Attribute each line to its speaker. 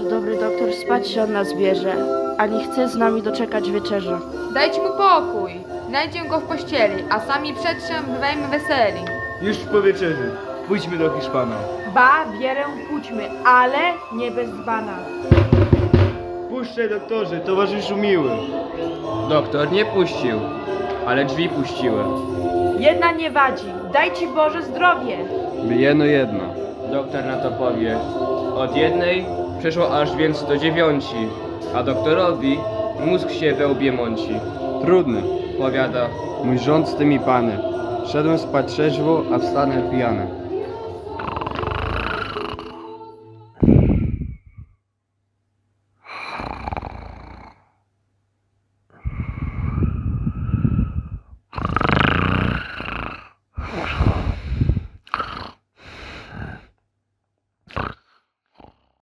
Speaker 1: dobry doktor spać się od nas bierze, ani chce z nami doczekać wieczerzy.
Speaker 2: Dajcie mu pokój. Znajdziemy go w pościeli, a sami przedszem bywajmy weseli.
Speaker 3: Już po wieczerzy. Pójdźmy do Hiszpana.
Speaker 4: Ba, wierę pójdźmy, ale nie bez dzbana.
Speaker 3: Puszczaj, doktorze, towarzyszu miły.
Speaker 5: Doktor nie puścił, ale drzwi puściły.
Speaker 4: Jedna nie wadzi, daj ci Boże zdrowie.
Speaker 5: By jedno. Doktor na to powie. Od jednej przeszło aż więc do 9, a doktorowi mózg się we łbie mąci.
Speaker 6: Trudny,
Speaker 5: Powiada,
Speaker 6: mój rząd z tymi pany. Szedłem spać trzeźwo, a wstanę pijany.